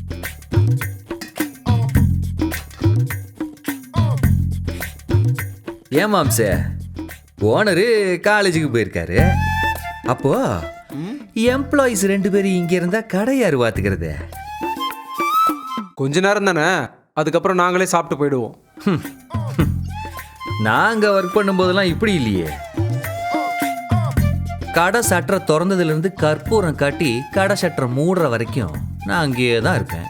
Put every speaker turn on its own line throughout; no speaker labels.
ஏன் மாம்சே, ஓனரு காலேஜுக்கு போயிருக்காரு. அப்போ எம்ப்ளாயிஸ் 2 பேரும் இங்க இருந்தா கடை யாரு பாத்துக்கிறது?
கொஞ்ச நேரம் தானே, அதுக்கப்புறம் நாங்களே சாப்பிட்டு போயிடுவோம்.
நாங்க ஒர்க் பண்ணும்போதெல்லாம் இப்படி இல்லையே. கடை சட்டரை திறந்ததுல இருந்து கற்பூரம் காட்டி கடை சட்டரை மூடுற வரைக்கும் நான் அங்கேயே தான் இருப்பேன்.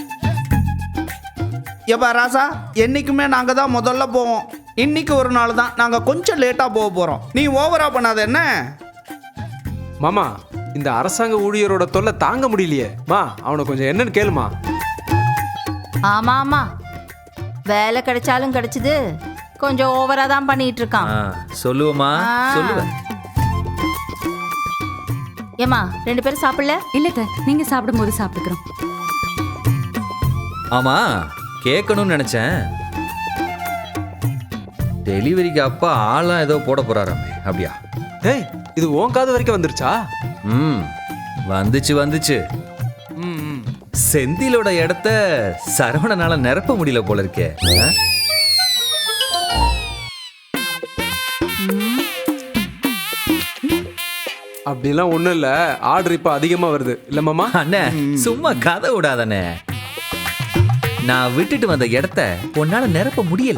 எப்பா ராசா, என்னைக்குமே நாங்கள் தான் முதல்ல போவோம். இன்னைக்கு ஒரு நாள் தான் நாங்கள் கொஞ்சம் லேட்டாக போக போகிறோம். நீ ஓவரா பண்ணாத என்ன?
மாமா, இந்த அரசாங்க ஊழியரோட தொல்லை தாங்க முடியலையே. மா, அவனை கொஞ்சம் என்னன்னு கேளுமா.
ஆமா ஆமா, வேலை கிடைச்சாலும் கிடைச்சது, கொஞ்சம் ஓவரா தான் பண்ணிட்டு இருக்கான்.
சொல்லுவமா, சொல்லுவேன்.
ஏமா 2 பேரும் சாப்பிடல?
இல்ல, நீங்க சாப்பிடும் போது சாப்பிட்டுக்கிறோம்.
ஆமா, கேட்கணும்னு நினைச்சேன். டெலிவரிக்கு அப்பா ஆளா ஏதோ போட போறாராமே, அப்படியா?
டேய், இது உன் காது வரைக்கும் வந்துருச்சா?
வந்துச்சு. செந்திலோட இடத்த சரவணனால நிரப்ப முடியல போல இருக்கே.
அப்படிலாம் ஒண்ணும் இல்ல, ஆர்டர் இப்ப அதிகமா வருது இல்ல மாமா?
அண்ணே, சும்மா கதை விடாதண்ணே. நான் விட்டுட்டு வந்த இடத்த உன்னால நிரப்ப முடியல.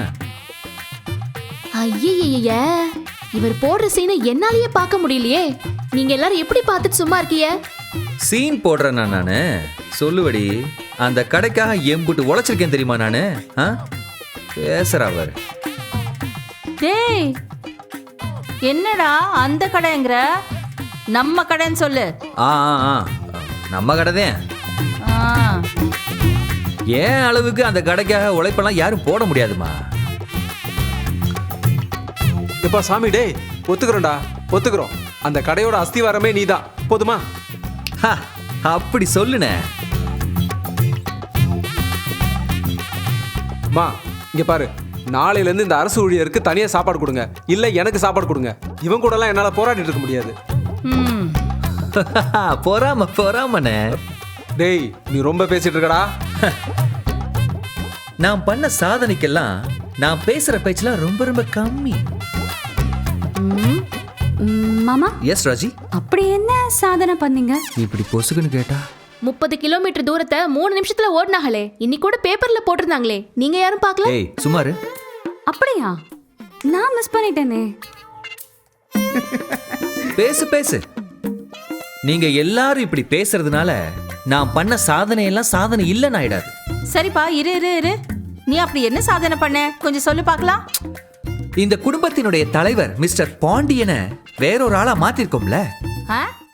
ஐய, இவர் போடுற சீனை என்னாலயே பார்க்க முடியலையே. நீங்க எல்லாரும் எப்படி பார்த்துட்டு சும்மா இருக்கீங்க?
சீன் போடுறேன்னா நானு? சொல்லுவடி, அந்த கடைக்காக எம்புட்டு உழைச்சிருக்கேன் தெரியுமா நானு? பேசுற அவர்.
டேய், என்னடா அந்த கடைங்கிற? நம்ம கடைன்னு சொல்லு.
நம்ம கடைதான். ஏன் அளவுக்கு அந்த கடைக்காக உழைப்பெல்லாம் யாரும் போட முடியாதுமா.
எப்பா சாமி, டேய் ஒத்துக்கிறோம்டா, ஒத்துக்கிறோம். அந்த கடையோட அஸ்திவாரமே நீதான், போதுமா?
அப்படி சொல்லுனே.
மா, இங்க பாரு, நாளையில இருந்து இந்த அரசு ஊழியருக்கு தனியா சாப்பாடு கொடுங்க, இல்ல எனக்கு சாப்பாடு கொடுங்க. இவன் கூட எல்லாம் என்னால போராடிட்டு இருக்க முடியாது.
பொறாமண்ணே.
டேய், நீ ரொம்ப பேசிட்டு இருக்கடா.
நான் பண்ண சாதனைக்கெல்லாம் நான் பேசுற பேச்செல்லாம் ரொம்ப ரொம்ப கம்மி.
மாமா.
எஸ் ராஜி.
அப்படி என்ன சாதனை பண்ணீங்க?
இப்படி பொசுக்குன்னு கேட்டா
30 கிலோமீட்டர் தூரத்தை 3 நிமிஷத்துல ஓடினாங்களே, இன்னைக்கு கூட பேப்பர்ல போட்டிருந்தாங்களே, நீங்க யாரும் பார்க்கல?
ஏய் சுமாரு.
அப்படியா? நான் மிஸ் பண்ணிட்டேனே.
பேசு. நீங்க எல்லாரும் இப்படி பேசுறதுனால நான் பண்ண சாதனை எல்லாம் சாதனை இல்லைன்னு ஆயிடாது.
சரிப்பா, இரு. நீ அப்படி என்ன சாதனை பண்ண, கொஞ்சம் சொல்லு பார்க்கலாம்.
இந்த குடும்பத்தினுடைய தலைவர் மிஸ்டர் பாண்டியனை வேறொரு ஆளா மாத்திருக்கோம்ல.